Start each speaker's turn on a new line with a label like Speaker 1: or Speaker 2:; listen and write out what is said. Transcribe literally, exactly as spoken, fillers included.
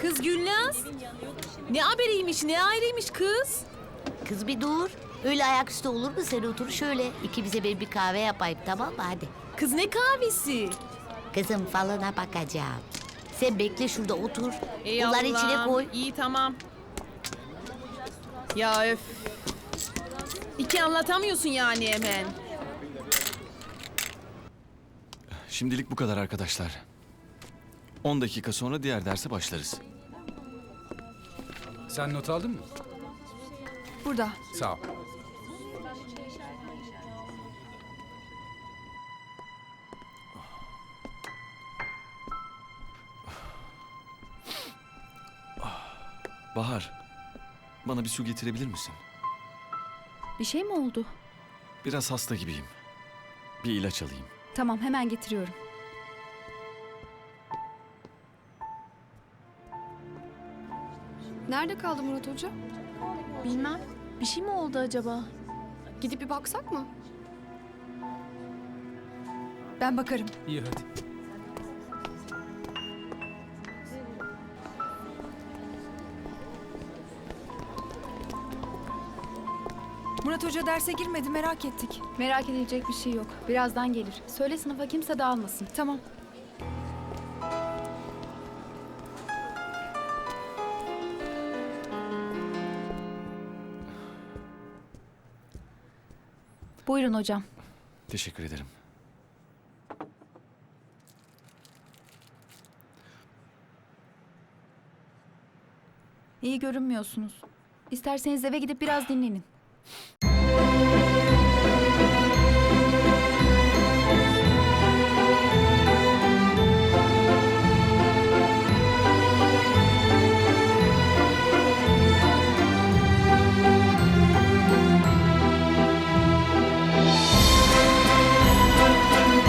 Speaker 1: Kız Gülnaz. Ne haberiymiş, ne ayrıymış kız?
Speaker 2: Kız bir dur. Öyle ayaküstü olur mu? Sen otur şöyle. İkimize bir, bir kahve yapayım, tamam mı? Hadi.
Speaker 1: Kız ne kahvesi?
Speaker 2: Kızım falına bakacağım. Sen bekle şurada otur.
Speaker 1: Ey
Speaker 2: Bunları
Speaker 1: Allah'ım,
Speaker 2: içine koy.
Speaker 1: İyi tamam. Ya öf. İki anlatamıyorsun yani hemen.
Speaker 3: Şimdilik bu kadar arkadaşlar. on dakika sonra diğer derse başlarız.
Speaker 4: Sen not aldın mı?
Speaker 5: Burada.
Speaker 4: Sağ ol.
Speaker 3: Bahar, bana bir su getirebilir misin?
Speaker 5: Bir şey mi oldu?
Speaker 3: Biraz hasta gibiyim. Bir ilaç alayım.
Speaker 5: Tamam, hemen getiriyorum.
Speaker 6: Nerede kaldı Murat Hoca?
Speaker 7: Bilmem. Bir şey mi oldu acaba?
Speaker 6: Gidip bir baksak mı?
Speaker 5: Ben bakarım.
Speaker 4: İyi hadi.
Speaker 5: Murat Hoca derse girmedi, merak ettik.
Speaker 7: Merak edilecek bir şey yok. Birazdan gelir. Söyle sınıfa kimse dağılmasın.
Speaker 5: Tamam.
Speaker 7: Buyurun hocam.
Speaker 3: Teşekkür ederim.
Speaker 7: İyi görünmüyorsunuz. İsterseniz eve gidip biraz dinlenin.